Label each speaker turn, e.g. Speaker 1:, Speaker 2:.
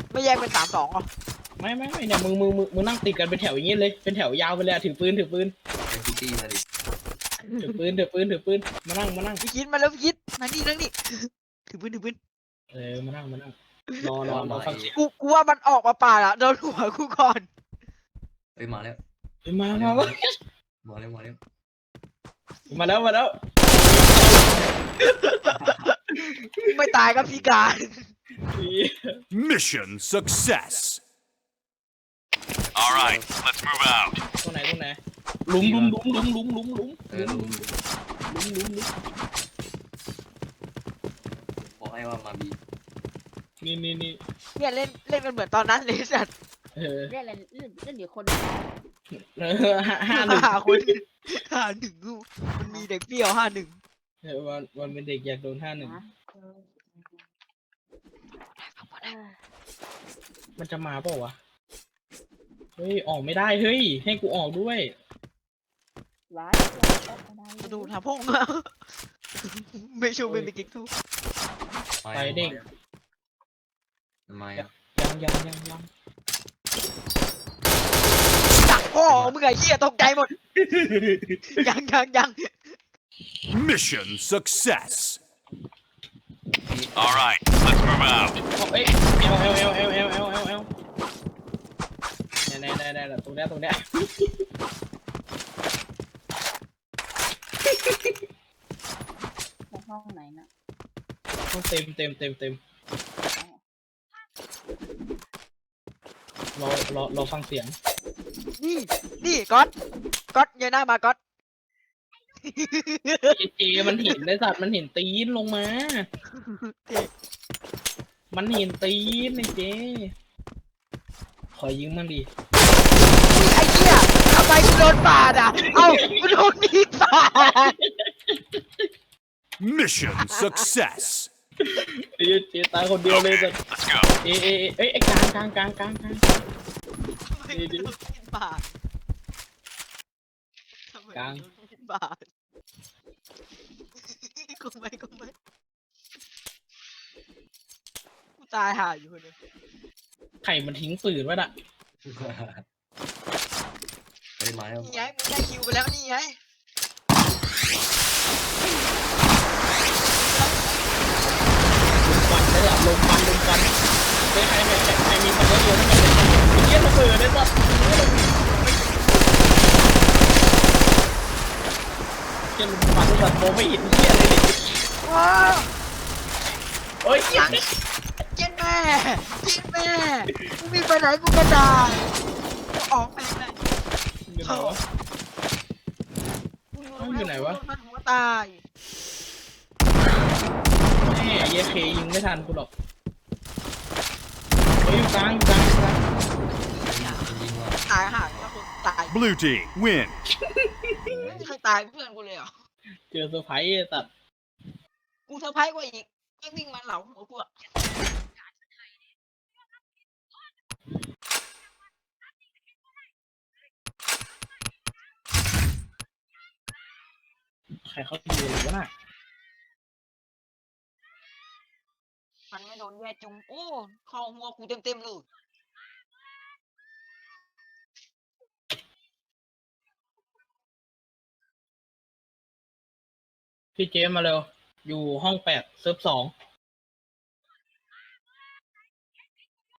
Speaker 1: ไม่แยกเป็น3-2หรอ
Speaker 2: ไม่เนี่ยมึงนั่งติดกันเป็นแถวอย่างงี้เลยเป็นแถวยาวไปเลยถือปืน
Speaker 3: ไอ้พิตตี้มาดิ
Speaker 2: ถือปืนมานั่ง
Speaker 1: พี่คิดมาแล้วพี่คิดมานี่นั่งนี่ถือปืน
Speaker 2: มานั่งรอฟังเสียง
Speaker 1: กูว่ามันออกมาป่าละโดนหัวกูก่อน
Speaker 3: เอ้ยมาแล้ว
Speaker 2: มา
Speaker 3: มาแล้ว
Speaker 1: ไม่ตายก็พิการ
Speaker 4: Mission success. All right, let's move out.
Speaker 2: ตรงไหนหลุม
Speaker 3: เออลุมบอกให้ว่ามาบี
Speaker 2: นี่
Speaker 1: เนี่ยเล่นกันเหมือนตอนนั้นเลยสัตว์
Speaker 5: เล่นอะไรเล่นอยู่คน
Speaker 2: 51
Speaker 1: 5 คน51กูมันมีเด็กเปรี้ยว51
Speaker 2: วันเป็นเด็กอยากโดน51มันจะมาเปล่าวะเฮ้ยออกไม่ได้เฮ้ยให้กูออกด้วย
Speaker 5: ว้าย
Speaker 1: ดูทาพงไม่ชูเป็นกิ๊กทู
Speaker 2: ไปเด็ก
Speaker 3: ทำไมอ่ะ
Speaker 2: ยัง
Speaker 1: จักพ่อมึงไอ้เหี้ยตกใจหมดยัง
Speaker 4: Mission success. All right, let's move out.
Speaker 2: เอ้ยเอลได้ตรงเนี้ย
Speaker 5: ในห้องไหนน่ะ
Speaker 2: ต้องเต็มรอฟังเสียง
Speaker 1: นี่ก๊อตเงยหน้ามาก๊อต
Speaker 2: เจมันเห็นไอ้สัตว์มันเห็นตีนลงมามันเห็นตีนไอ้เจขอยิงมันดิ
Speaker 1: ไอ้เหี้ยทำไมกูโดนปาดอ่ะเอ้ากูโดนมีดปาด
Speaker 4: Mission success.
Speaker 2: ไอ้เจตายคนเดียวเลยสัตว์
Speaker 4: Let's go.
Speaker 2: เอ้ยไอ้กลาง
Speaker 1: ทำไมกูโดนมีดปาดทำไมกูโดนมีดปาดกูไม่กูตายห่าอยู่คนเดียว
Speaker 2: ไข่มันทิ้งปืนไว้น่ะ
Speaker 3: เฮ้ยมาแล้ว
Speaker 1: นี่ไงมึงได้คิวไปแล้วนี่ไง
Speaker 2: ควันได้หลับลมควันเฮ้ยใครมีคนเยอะๆนั่นไงไอ้เหี้ยระเบิดไอ้สัตว์เหี้ยลมควันไอ้สัตว์มองไม่เห็นเหี้ยเลยดิ
Speaker 1: ว้าว
Speaker 2: โอ้ย
Speaker 1: เจ็ดแม่กูมีไปไหนกูก็ได้กูออกไปเลย
Speaker 2: อยู่ไหนวะ
Speaker 1: มันหัวตาย
Speaker 2: แม่เยเคยิงไม่ทันกูหรอกเฮ้ยอยู่กลาง
Speaker 3: ยิงว่ะ
Speaker 1: ตายห่าแล้วคนตาย
Speaker 4: Blue team win.
Speaker 1: ไม่มีใครตายเพื่อนกูเลยเหรอ
Speaker 2: เจอเซอร์ไพรส์ไอ้สัตว์
Speaker 1: กูเซอร์ไพรส์กว่าอีกไม่วิ่งมาเหลาหัวกูอะ
Speaker 2: ใครเขาอยู่หรือวะน่ะ
Speaker 1: มันไม่โดนแย่จุงโอ้เข้าหัวกูเต็มเลย
Speaker 2: พี่เจมมาเร็วอยู่ห้อง8 เซิร์ฟ 2